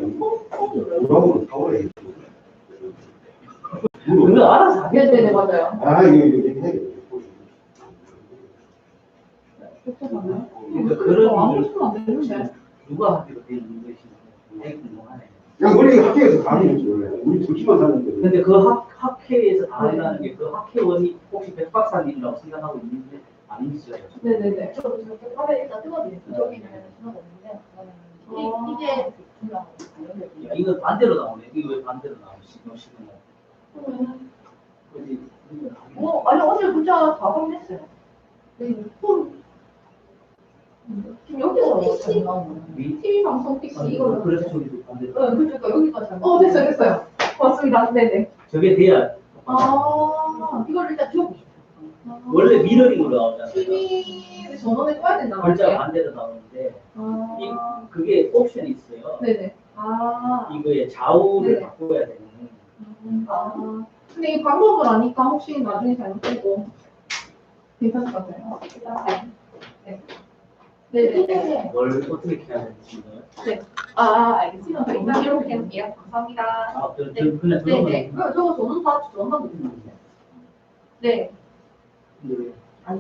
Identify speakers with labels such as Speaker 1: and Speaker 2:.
Speaker 1: 우라고 타오래.
Speaker 2: 그거 알아서 하겠죠.
Speaker 3: 네네네, 맞아요.
Speaker 1: 아, 이거 해.
Speaker 2: 그러니까 그런
Speaker 3: 안
Speaker 2: 일을
Speaker 3: 보시면 안 되는데.
Speaker 2: 누가 하기로 되어 있는 것인지 되게 궁금하네.
Speaker 1: 그냥 원래 학교에서 다 하는 거지, 원래. 우리 둘만 사는데.
Speaker 2: 근데 그 학회에서 다 한다는 게 그 학회원이 혹시 백 박사님이라고 생각하고 있는데 아니시죠?
Speaker 3: 네네네.
Speaker 4: 저 이렇게 화면 일단 뜯어드릴게요. 저기는 전화가 없는데 이게 중요한
Speaker 2: 야, 이거 반대로 나오네. 이거 왜 반대로 나오지? 그지?
Speaker 4: 아니 어제 문자 다 확인했어요. 지금 여기서 잘 나오는 거예요. TV 방송 PC 이걸로.
Speaker 2: 그래서 저기도 반대로.
Speaker 4: 그러니까 여기가 잘
Speaker 3: 됐어요, 됐어요. 고맙습니다. 네네.
Speaker 2: 저게 돼야
Speaker 4: 이걸 일단 지워보세요.
Speaker 2: 원래 미러링으로 나오잖아요.
Speaker 3: TV 전원을 꺼야 된다고
Speaker 2: 글자
Speaker 3: 할게요.
Speaker 2: 반대로 나오는데
Speaker 3: 아,
Speaker 2: 그게 옵션이 있어요.
Speaker 3: 네네. 아,
Speaker 2: 이거의 좌우를
Speaker 3: 네.
Speaker 2: 바꿔야 되는.
Speaker 3: 근데 이 방법을 아니까 혹시 나중에 잘못되고 괜찮을 것 같아요. 네. 네네네.
Speaker 2: 뭘 어떻게 해야 되는지.
Speaker 3: 알겠습니다. 일단 이렇게 해볼게요. 감사합니다.
Speaker 2: 아, 그냥 그런
Speaker 4: 네네. 저거 저는 다 전화하고 있는데.
Speaker 3: 네.
Speaker 2: 거.